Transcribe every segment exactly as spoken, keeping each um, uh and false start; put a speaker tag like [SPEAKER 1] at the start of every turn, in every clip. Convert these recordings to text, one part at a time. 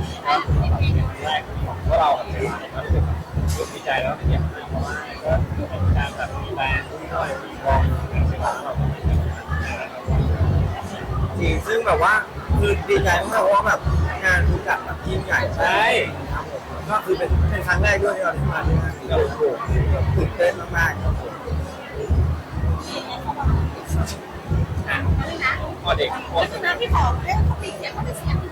[SPEAKER 1] ก็เป็นแรกของพวกเราแบบก็รู้สึกรู้สึกดีใจแล้วเป็นอย่างมากเพราะว่าก็เป็นการแบบมีแบรนด์ที่เรามีวงเป็นศิลปะเราเป็นแบบ
[SPEAKER 2] จริงซึ่งแบบว่าคือดีใจมากเพราะว่าแบบงานทุกอย่างแบบยิ่งใหญ่
[SPEAKER 1] ใช่
[SPEAKER 2] ครับผมก็คือเป็นเป็นครั้งแรกด้วยที่เราได้มาที่งานนี้โอ้โหตื่นเต้นมากๆครับผม
[SPEAKER 1] อ่ะพอเด็กพอ
[SPEAKER 3] ก็คือน้ำที่ขอเรื่องเขาปีเสียงเขาเป็นเสียง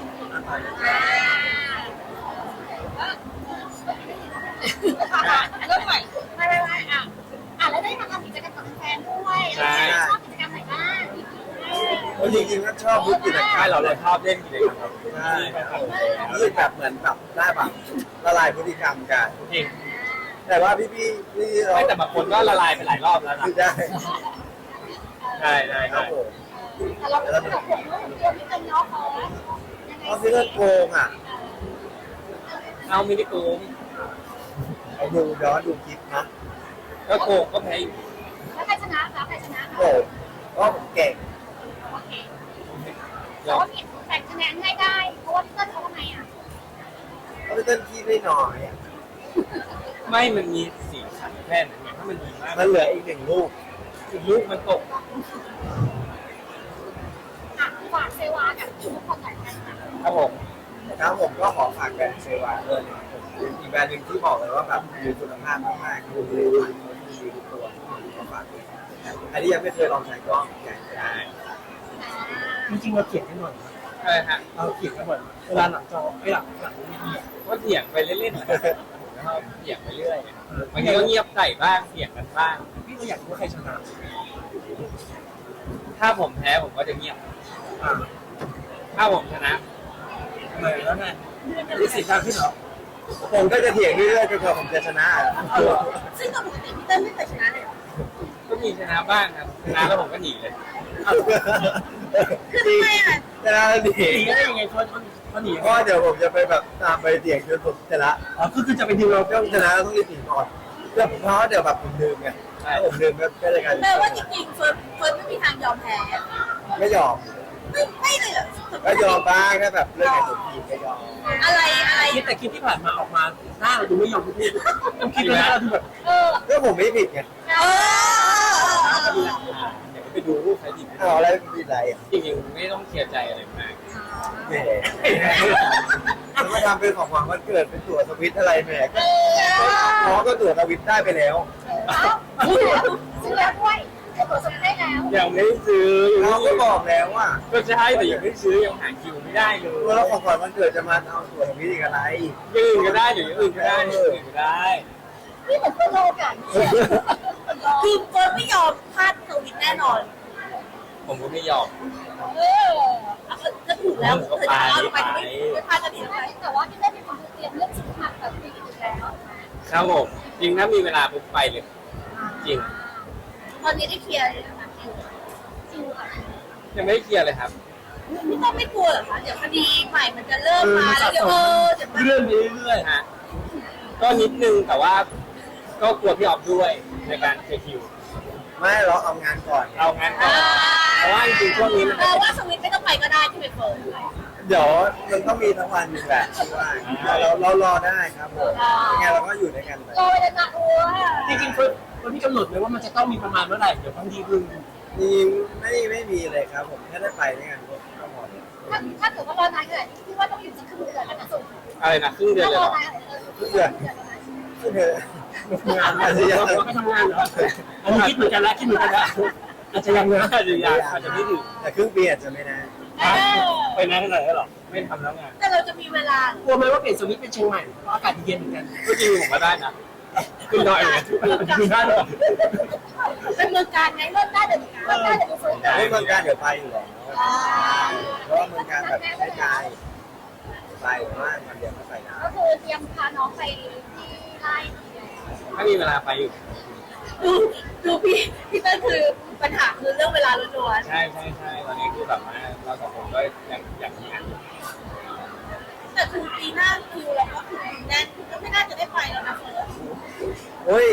[SPEAKER 3] เริ่มใหม่ไม่ไม่ไม่อ่ะอ่ะแล้วได้มาทำกิจกรรมกับแฟนด้วยชอบกิจกรรมไหนบ้าง
[SPEAKER 2] จริงๆก็ชอบทุกกิจกรร
[SPEAKER 1] ใช่
[SPEAKER 2] ม
[SPEAKER 1] เราเลยชอบเล่นกิจกรรมครับ
[SPEAKER 2] ใช่รู้สึกแบบเหมือนแบบได้แบบละลายพฤติกรรมกัน
[SPEAKER 1] จริง
[SPEAKER 2] แต่ว่าพี่พี่พี่เรา
[SPEAKER 1] ไม่แต่บางคนก็ละลายไปหลายรอบแล้วนะ
[SPEAKER 2] คือได้
[SPEAKER 1] ใช่ใช่
[SPEAKER 2] ครั
[SPEAKER 1] ใช่
[SPEAKER 2] บผม
[SPEAKER 3] แต่เราเป็นแบบผมลูกเดียวที่เป็นน้องเขายังไง
[SPEAKER 2] เพราะพี่เล่นโกงอ่ะ
[SPEAKER 1] เอามินิโกง
[SPEAKER 2] ไอ้ดูย้อนดูคลิปนะ
[SPEAKER 1] ก็โกงก็แพ้อยู่
[SPEAKER 3] แล้วใครชนะคะใครชนะ
[SPEAKER 2] โอ้ก็ผมเก่ง
[SPEAKER 3] โอเคแต่ว่าผิดแบ่งคะแนนให้ได้เพราะว่าพี่เติ้ลเขาทำไมอ่ะ
[SPEAKER 2] เพราะพี่เต้นขี้ไม่น้อยอะ
[SPEAKER 1] ไม่มันมีสีสันแค่นั้นไงถ้ามันดีมาก
[SPEAKER 2] มันเหลืออีกหนึ่งลูก
[SPEAKER 1] อีกลูกมันตก
[SPEAKER 3] อ่ะฝากเซวากับทุกคนหน่อยกันค่ะ
[SPEAKER 1] ครับผม
[SPEAKER 2] ครับผมก็ขอฝากแบรนด์เซวาเลยนะครับผมอีกแบรนด์หนึ่งที่บอกเลยว่าแบบมีคุณภาพมากๆคือดีดีทุกตัวขอฝากด้วยใครที่ยังไม่เคยลองใช้ก็อยากจะได้
[SPEAKER 4] จริงๆเราเขียนกันหน่อยนะ
[SPEAKER 1] ใช่ฮะ
[SPEAKER 4] เราเขียนกันหน่อยเวลาหลังจอไอ้หลังหลังนี้ดี
[SPEAKER 1] ก็เถียงไปเล่นๆนะครับแล้วก็เถียงไปเรื่อยบางทีก็เงียบใส่บ้างเถียงกันบ้าง
[SPEAKER 4] พี่ก็อยากรู้ว่าใครชนะ
[SPEAKER 1] ถ้าผมแพ้ผมก็จะเงียบ
[SPEAKER 4] อ่า
[SPEAKER 1] ถ้าผมชนะ
[SPEAKER 4] ทำไมแล้วไงมีสิทธิ์ทางที่เหรอ
[SPEAKER 2] ผมก็จะเถียงเรื่อยๆจนกว่าผมจะชนะ
[SPEAKER 3] ซึ่งปกติพี่เติ้ลไม่เคยชนะเลย
[SPEAKER 1] ก็มีชนะบ้างครับชนะแล้วผมก็หนีเลย
[SPEAKER 3] คือทำไมอ่ะ
[SPEAKER 2] ชนะแล้วดี
[SPEAKER 4] หนีได้ยังไงชวนเขาหนี
[SPEAKER 2] เพราะเดี๋ยวผมจะไปแบบตามไปเถียงจนผมชนะ
[SPEAKER 4] อ๋อคือคือจะไปดิวเรา
[SPEAKER 2] ต้องชนะต้องรีบหนีก่อนเพื่อผมเพราะเดี๋ยวแบบผมลืมไงถ้าผมลืมก็ก็จะกลายเป็น
[SPEAKER 3] แปลว่าจริงๆเฟิร์นเฟิร์นไม่มีทางยอมแพ้
[SPEAKER 2] ไม่ยอม
[SPEAKER 3] ไม่ไม่เลยเหรอ
[SPEAKER 2] ก็ยอมบ้างถ้าแบบเรื่องไหนผมผิดก็ยอม
[SPEAKER 3] อะไรอะไร
[SPEAKER 4] คิดแต่คลิปที่ผ่านมาออกมาหน้าเราดูไม่ยอมพูดต้องคิดแล้วเราดูแบบ
[SPEAKER 3] เออ
[SPEAKER 2] ก็ผมไม่ผิดไง
[SPEAKER 3] เออ
[SPEAKER 1] ก็มีหลักฐานเดี๋ยวไปดูรูปใครผิด
[SPEAKER 2] เอาอะไรผิดอะไรอ่ะ
[SPEAKER 1] จริงๆไม่ต้องเคลียร์ใจอะไรมาก
[SPEAKER 2] แหมแล้วมาทำเป็นของขวัญวันเกิดเป็นตั๋วสวิตอะไรแหมก็น้องก็ตั๋วสวิตได้ไปแล้ว
[SPEAKER 3] ซื้อแล้วซื้อแล้วด้วยตัวสมได้แล้ว
[SPEAKER 1] ยังไม่ได้ซื้อ
[SPEAKER 2] เขาก็บอกแล้วว่า
[SPEAKER 1] ก็ใช่แต่ยังไม่ได้ซื้อยังหาคิวไม่ได้เลย
[SPEAKER 2] แล้วของขวัญวันเกิดจะมาเอาตั๋วสวิตอีกอะไร
[SPEAKER 1] อยังอื่นก็ได้หรืออย่างอื่นก็ได้อย่างอื่นก็ได้
[SPEAKER 3] นี่เหมือนเป็นโลกันคือเฟิร์นไม่ยอมพลาดสวิตแน่นอน
[SPEAKER 1] ผมก็ไม่ยอม
[SPEAKER 3] เออก็ถูกแล้วเธอจะเอาไปไม่พลาดจะดีไหมแต่ว่าที่ได้เป็นคนเตรียมเรื่องชุดมาแบบปีอยู่แล้ว
[SPEAKER 1] ครับผมจริงถ้ามีเวลาปุ๊บไปเลย จริง
[SPEAKER 3] ตอนนี้ได้เคลียร์เลยนะคะคิวคิวค่ะ
[SPEAKER 1] ยังไม่ได้เคลียร์เลยครับ
[SPEAKER 3] ไม่ต้องไม่กลัวเหรอคะเดี๋ยวคดีใหม่มันจะเริ่มมาแล้วเดี๋ยวเออเดี๋ยวมัน
[SPEAKER 4] เลื่อนไปเรื่อย
[SPEAKER 1] ฮะก็นิดนึงแต่ว่าก็กลัวพี่ออฟด้วยในการเคลียร์คิว
[SPEAKER 2] ไม่เราเอางานก่อน
[SPEAKER 1] เอางั้นก่อนเพราะว่าจริงๆช่วงนี้มัน
[SPEAKER 3] เออว่าสวิตไม่ต้องไปก็ได้ที่ไปเฟิร์น
[SPEAKER 2] เดี๋ยวมันต้องมีทั้งวันอยู่แหละว่าเราเรารอได้ครับผมยังไงเราก็อยู่ด้วยกันไป
[SPEAKER 3] โรยเลยนะโอ้ย
[SPEAKER 4] ๆจริงๆเฟิร์นคนที่กำหนดเลยว่ามันจะต้องมีประมาณเมื่อไหร่เดี๋ยวบางทีคือ
[SPEAKER 2] มีไม่ไม่มีเลยครับผมแค่ได้ไปด้วยกันก็พอ
[SPEAKER 3] ถ้าถ้าเกิดว่ารอนานขนาดนี้คิดว่าต้องอยู่สักครึ่งเดือนแล้วนะสุด
[SPEAKER 1] อะไรนะครึ่งเดือน
[SPEAKER 3] ถ้า
[SPEAKER 1] เลย
[SPEAKER 3] ร
[SPEAKER 1] เห
[SPEAKER 3] อ
[SPEAKER 1] รอ
[SPEAKER 3] นานเออเดือน
[SPEAKER 2] คือเธอ
[SPEAKER 4] ทำงานอาจจะยังไม่ทำงานเหรออันนี้คิดเหมือนกันแล้วคิดเหมือนกันแล้วอาจจะยังนะ
[SPEAKER 1] อาจจะยังอาจจะไม่ถึง
[SPEAKER 2] แต่ครึ่งปีอาจจะไม่นาน
[SPEAKER 1] ไปนานขนาดนั้นหรอไม่ทำแล้วไง
[SPEAKER 3] แต่เราจะมีเวลาก
[SPEAKER 4] ลัวไหมว่าเปลี่ยนสวิตช์เป็นเชียงใหม่เพราะอากาศเย็นเหมือนกัน
[SPEAKER 1] ก็จริงผมก็ได้นะขึ้นดอยอย่างเงี้ย
[SPEAKER 4] คือได้เหรอ
[SPEAKER 3] เป็นเมืองการไงเริ่มได้เดี๋ยวเริ่มได้เดี๋ยวไปเฟิร์น
[SPEAKER 2] ไม่เมืองการเดี๋ยวไปอยู่แล้วเพราะว่าเมืองการแบบไม่ไกลไปมากมันเดียวก็ไปได้
[SPEAKER 3] ก็คือเตรียมพาน้องไปที่ไร่
[SPEAKER 1] ถ้ามีเวลาไปอยู่
[SPEAKER 3] ดูดูพี่พี่เต้นคือปัญหาคือเรื่องเวลาล้วน
[SPEAKER 1] ใช่ใช่ใช่ตอนนี้คือแบบว่าเราสองคนก็ยังอยากมีงานอยู่
[SPEAKER 3] ๆแต่คือปีหน้าคิวเราก็คือแน่นก็ไม่น่าจะได้ไปแล้วนะเฟิร์น
[SPEAKER 2] โอ้ย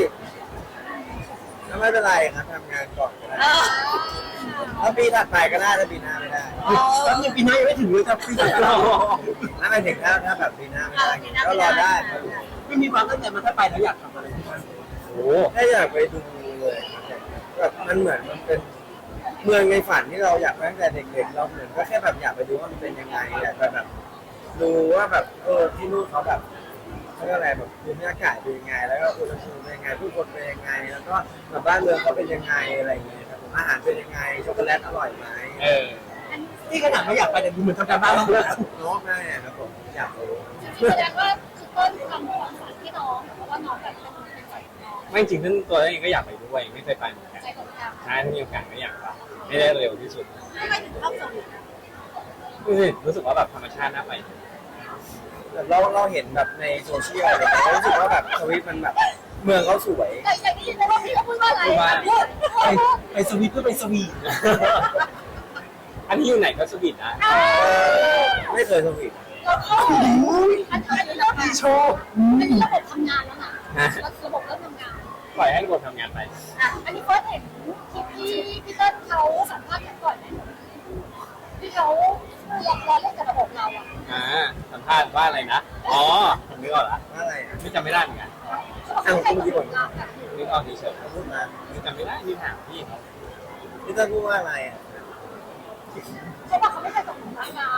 [SPEAKER 2] ไม่เป็นไรครับทำงานก่อนก็ได้
[SPEAKER 3] เออ
[SPEAKER 2] ถ้าปีถัดไปก็ได้ถ้าปีหน้าไม่ได้
[SPEAKER 3] เอ
[SPEAKER 4] แป๊บนึงปีหน้ายังไม่ถึงเลยจะปีหน้าเรา
[SPEAKER 2] ถ้าไม่ถึงถ้าถ้าแบบปีหน้าไม่ได้ก็รอได้ครับ
[SPEAKER 4] ไม่มีความตั้งใจมาถ้าไปแล้วอยากทำอะไรบ้าง
[SPEAKER 1] โอ้
[SPEAKER 2] ถ้าอยากไปดูเลยแบบมันเหมือนมันเป็นเมืองในฝันที่เราอยากไปตั้งแต่เด็กๆเราเหมือนก็แค่แบบอยากไปดูว่ามันเป็นยังไงอยากไปแบบดูว่าแบบเออที่นู่นเขาแบบเขาเรียกอะไรแบบภูมิอากาศเป็นยังไง แล้วก็อุณหภูมิเป็นยังไงผู้คนเป็นยังไง แล้วก็แบบบ้านเมืองเขาเป็นยังไงอะไรอย่างเงี้ยครับผมอาหารเป็นยังไงช็อกโกแลตอร่อยไหม
[SPEAKER 1] เออ
[SPEAKER 4] นี่ขนาดไม่อยากไปแต่ดูเหมือนทำการบ้านแล้ว
[SPEAKER 2] น้องได้ครับผมอยากรู้
[SPEAKER 3] จริงๆแสดงว่าคือต้นทำความฝันที่น้องเพราะว่าน้องแบบเป็นเป็นใจน้อง
[SPEAKER 1] ไม่จริงๆนั่นตัวเองก็อยากไปด้วยไม่เคยไปเหมือนกัน
[SPEAKER 3] ใจของเรา
[SPEAKER 1] ถ้ามีโอกาสก็อยากไปให้ได้เร็วที่สุด
[SPEAKER 3] ไม่ไม่ถึงเข้าสวิต
[SPEAKER 1] รู้สึกว่าแบบธรรมชาติน่าไป
[SPEAKER 2] แบบเราเราเห็นแบบในโซเชียลอะไรเงี้ยรู้สึกว่าแบบสวิตมันแบบเมืองเขาสวย
[SPEAKER 3] แต่อย่างนี้แต่ว่าพี่เขาพูดว่าอะไรพูด
[SPEAKER 4] ไปไปสวีทเพื่อไปสวีท
[SPEAKER 1] อันนี้อยู่ไหนก็สวีทนะ
[SPEAKER 2] ไม่เคยสวีท
[SPEAKER 3] เราเข้าอันนี้เรา
[SPEAKER 4] มีโชว์
[SPEAKER 3] อันนี้ระบบทำงานแล้วนะระบบเริ่มทำงาน
[SPEAKER 1] ปล่อยให้ระบบทำงานไป
[SPEAKER 3] อ่ะอันนี้เฟิร์สเห็นคลิปที่พี่เติ้ลเขาสัมภาษณ์กันก่อนไหมที่เขาลองรอเล่นกับระบบเราอ่ะ
[SPEAKER 1] อ่าสัมภาษณ์ว่าอะไรนะ อ๋อผมนึกออกละ
[SPEAKER 2] ว่าอะไรอ่ะ
[SPEAKER 1] ไม่จำไม่ได้เหมือนกัน
[SPEAKER 3] เขาบอกเขาให้ระบบเราแบบ
[SPEAKER 1] นึกออกเฉย
[SPEAKER 2] พูดมา
[SPEAKER 1] ๆนึกจำไม่ได้ที่ถามพี่เขา
[SPEAKER 2] พี่ต้นพูดว่าอะไรอ่ะ
[SPEAKER 3] เขาบอกเขาไม่เคยตกหลุมรักเรา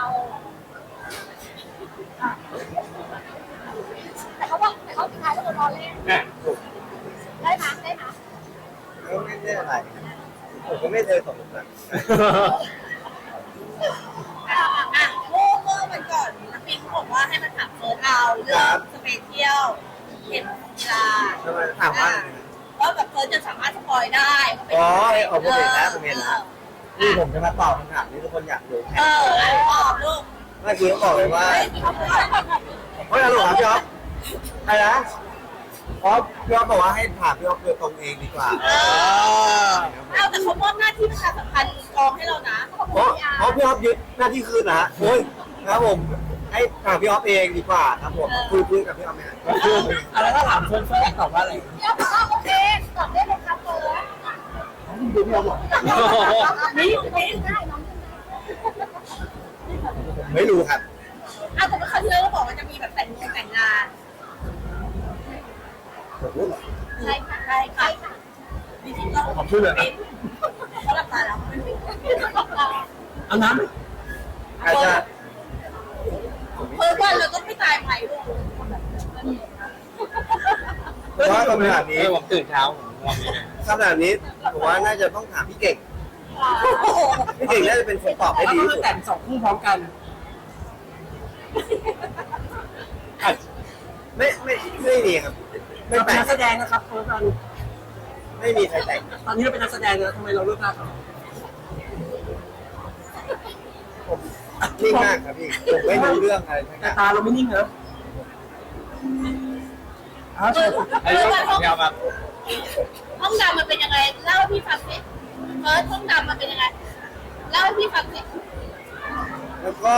[SPEAKER 3] แต่เขาบอกแต่เขาสุดท้ายแล้วรอเล่น
[SPEAKER 1] น่ะ
[SPEAKER 2] ถูก
[SPEAKER 3] ได้ไหมได้ไหม
[SPEAKER 2] ก็ไม่ได้อะไรผมก็ไม่เคยสงสัย
[SPEAKER 3] อ่ะอ่ะเมื่อเมื่อวันก่อนนักบินเขาบอกว่าให้มันถามเฟิร์สเอาเรื่องสเปเชียลเห็นกีฬา
[SPEAKER 2] ทำไมถามว่าอะไรนะ
[SPEAKER 3] ว่าแบบเฟิร์สจะสามารถสปอยได้
[SPEAKER 2] อ๋อเอาผมเห็นแล้วผมเห็นแล้วนี่ผมจะมาตอบคำถามที่ทุกคนอยากรู้
[SPEAKER 3] เออตอบลูก
[SPEAKER 2] เมื่อกี้เขาบอกเลยว่า
[SPEAKER 3] เฮ้ยเขาพูดอะไร
[SPEAKER 2] เฮ้ยฮัลโหลครับพี่อ๊อฟอะไรนะอ๋อพี่อ๊อฟบอกว่าให้ถามพี่อ๊อฟโดยตรงเองดีกว่า
[SPEAKER 3] เออเอาแต่เขามอบหน้าที่ประชาสัมพันธ์กองให้เรานะเขาบอก
[SPEAKER 2] เพราะเพราะพี่อ๊อฟยึดหน้าที่คืนนะฮะโอ้ยครับผมให้ถามพี่อ๊อฟเองดีกว่าครับผมคุยคุยกับพี่อ๊อฟไหมฮะ
[SPEAKER 4] อะไรถ้าถามเฟิร์นเฟิร์นอยากตอบว่าอะไร
[SPEAKER 3] เดี๋ยวบอกว่าโอเคตอบได้เลยครับเฟิร์ส
[SPEAKER 4] ดูพี่เราบอก
[SPEAKER 3] นี่นี่ได้น้อง
[SPEAKER 2] ไม่รู้ครับ
[SPEAKER 3] อ่ะแต่เมื่อครั้งที่แล้วเราบอกว่าจะมีแบบแต่งงานแต่งงาน
[SPEAKER 2] ผมรู้เหรอ
[SPEAKER 3] ใช่ค่ะใช่ค่ะจริงๆเรา
[SPEAKER 4] ผมช่วยเลยนะ
[SPEAKER 3] เขาหลับตาแล้ว
[SPEAKER 4] เอาน้
[SPEAKER 2] อาจจะ
[SPEAKER 3] เพิ่มวันเราต้องไม่ตายไปลูก
[SPEAKER 2] เพราะว่าคำถาม
[SPEAKER 1] เอ
[SPEAKER 2] นี้
[SPEAKER 1] อผมตื่นเช้าผมง่วงนิดนึง
[SPEAKER 2] คำถามนี้ผมว่าน่าจะต้องถามพี่เก่งพี่เก่งน่าจะเป็นคนตอบ
[SPEAKER 4] ำ
[SPEAKER 2] ได้
[SPEAKER 4] แล้ว
[SPEAKER 2] ดี
[SPEAKER 4] ก็
[SPEAKER 2] ที่
[SPEAKER 4] มา
[SPEAKER 2] สุด
[SPEAKER 4] แต่งสองคู่พร้อมกัน
[SPEAKER 1] อาจ
[SPEAKER 2] ไม่ไม่ไม่มีครับไม่
[SPEAKER 4] เรา
[SPEAKER 2] แป
[SPEAKER 4] เป็น
[SPEAKER 2] ล
[SPEAKER 4] นั
[SPEAKER 2] ก
[SPEAKER 4] กแสดงนะครับเฟิร์น
[SPEAKER 2] ไม่มีใครแต่ง
[SPEAKER 4] ตอนนี้เราเป็นนักแสดงแล้วทำไมเราเลือกพลาดเขา
[SPEAKER 2] ผมนิ่งมากครับพี่ผมไม่รู้เรื่องอะไรทั้ง
[SPEAKER 4] แต่
[SPEAKER 2] นั้น
[SPEAKER 4] ตาเราไม่นิ่งนะอ้าวใช่
[SPEAKER 1] อันนี้ต้องถามพี่เอามา
[SPEAKER 3] ห้องดำมันเป็นยังไงเล่าให้พี่ฟังสิเฟิร์สห้องดำมันเป็นยังไงเล่าให้พี่ฟังสิ
[SPEAKER 2] แล้วก็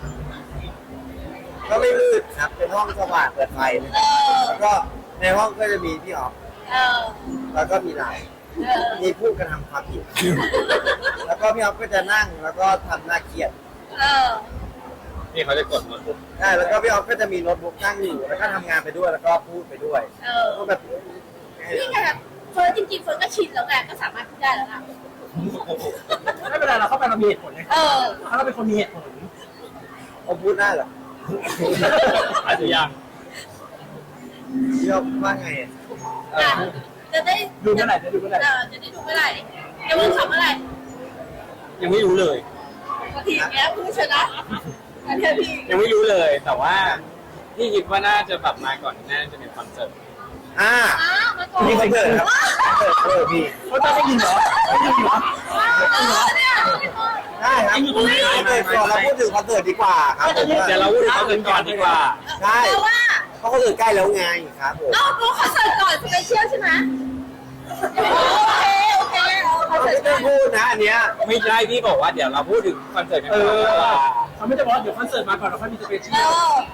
[SPEAKER 2] ก็ไม่มืดครับเป็นห้องสว่างเปิดไฟเลย
[SPEAKER 3] เออ
[SPEAKER 2] แล้วก็ในห้องก็จะมีพี่ออฟ
[SPEAKER 3] เออ
[SPEAKER 2] แล้วก็มีเรา
[SPEAKER 3] เออ
[SPEAKER 2] มีผู้กระทำความผิด แล้วก็พี่ออฟก็จะนั่งแล้วก็ทำหน้าเครียด
[SPEAKER 3] เออ
[SPEAKER 1] นี่เขาจะกดโน้ตบุ๊ก
[SPEAKER 2] ใช่แล้วก็พี่ออฟก็จะมีโน้ตบุ๊กตั้งอยู่แล้วก็ทำงานไปด้วยแล้วก็พูดไปด้วย
[SPEAKER 3] เออ
[SPEAKER 2] ก็แบบ
[SPEAKER 3] นี่ไงเฟิร์สจริงๆเฟิร์สก็ชินแล้วไงก็สามารถพูดได้แล้วนะ
[SPEAKER 4] ไม่เป็นไรเราเข้าไปเรามีเหตุผลนะ
[SPEAKER 3] เออ
[SPEAKER 4] ถ้าเราเป็นคนมีเหตุผล
[SPEAKER 2] ผมพูดได้เหรอ
[SPEAKER 1] อาจจะยัง
[SPEAKER 2] พี่ออฟว่าไงอะ
[SPEAKER 3] อ่ะจะได้
[SPEAKER 4] ดูเมื่อไหร่จะดูเมื่อไหร่
[SPEAKER 3] เออจะได้ดูเมื่อไหร่จะมึงทำเมื่อไหร่
[SPEAKER 1] ยังไม่รู้เลย
[SPEAKER 3] บางทีแกพูดชนะอันนี้พี่
[SPEAKER 1] ยังไม่รู้เลย แต่ว่าพี่คิดว่าน่าจะแบบมาก่อนน่าจะเป็นคอนเสิร์ต
[SPEAKER 2] อ่า
[SPEAKER 3] อ้าวมาก่อน
[SPEAKER 2] มีคอนเสิร์ตครับคอนเสิร์ตเออพี่
[SPEAKER 4] เขาจะได้ยินเหรอได้ยินเหรอ
[SPEAKER 3] เออเนี่ย
[SPEAKER 2] ได้ครับคอนเสิร์ตก่อนเราพูดถึงคอนเสิร์ตดีกว่าครับผม
[SPEAKER 1] เดี๋ยวเราพูดถึงคอนเสิร์ตก่อนดีกว่า
[SPEAKER 2] ใช่
[SPEAKER 3] แปลว่า
[SPEAKER 2] เพราะคอนเสิร์ตใกล้แล้วไงครับผม
[SPEAKER 3] เอ้าดูคอนเสิร์ตก่อนสเปเชียลใช่ไหมโอเคโอเคคอน
[SPEAKER 2] เรา
[SPEAKER 3] เสิร์
[SPEAKER 2] ไม่
[SPEAKER 3] ต
[SPEAKER 2] ต้องพูดนะอันเนี้ย
[SPEAKER 1] ไม่ใช่พี่บอกว่าเดี๋ยวเราพูดถึงคอนเสิร์ตกัน
[SPEAKER 4] เอ
[SPEAKER 1] ก่อนดีกว่า
[SPEAKER 4] อเขาไม่ได้บอกว่าเดี๋ยวคอนเสิร์ตมาก่อนเราค่อยมีสเปเชี
[SPEAKER 3] เอย
[SPEAKER 4] ล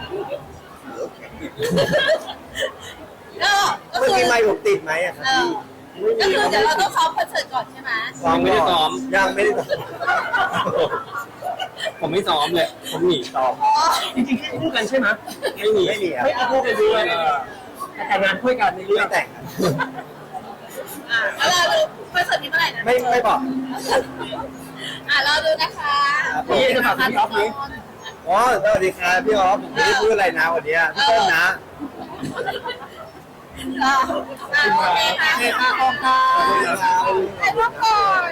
[SPEAKER 3] อก็ก็
[SPEAKER 2] เมื่อ
[SPEAKER 3] คือ
[SPEAKER 2] กี้ไม่ผมติดไหมอะครับ
[SPEAKER 3] เออ
[SPEAKER 2] พี่ไม่มี
[SPEAKER 3] ก็คือเดี๋ยวเราต้องซ้อมคอนเสิร์ตก่อนใช่ไหม
[SPEAKER 2] ยังไม่ได้ซ้อมยังไม่ได้ซ้อม
[SPEAKER 1] ผมไม่ซ้อมเลยผมหนีซ้อม
[SPEAKER 3] อ๋อ
[SPEAKER 4] จริงๆคู่กันใช่ไหม
[SPEAKER 1] ไม่หนี
[SPEAKER 2] ไม่มีครับ
[SPEAKER 4] ไม่เอาคู่กันด้วยแต่แต่งงานคู่กันในเรื่อ
[SPEAKER 2] ไม่
[SPEAKER 4] ง
[SPEAKER 2] แต่งครับ
[SPEAKER 3] อ่ะแล้วเราดูคอนเสิร์ตนี้เมื่อไหร่นะ
[SPEAKER 2] ไม่ไม่บอก
[SPEAKER 3] อ่ะเราดูนะคะ
[SPEAKER 4] นี่จะฝากพี่ท็อปนี้
[SPEAKER 2] อ๋อสวัสดีครับพี่อ๋อผมไม่ได้พูดอะไรนะวันนี้พี่ต้นนะ
[SPEAKER 3] อ่ะอ่ะโอเคค่ะ
[SPEAKER 2] โอเคค่ะขอบคุณครับ
[SPEAKER 3] ถ่ายรูปก่อน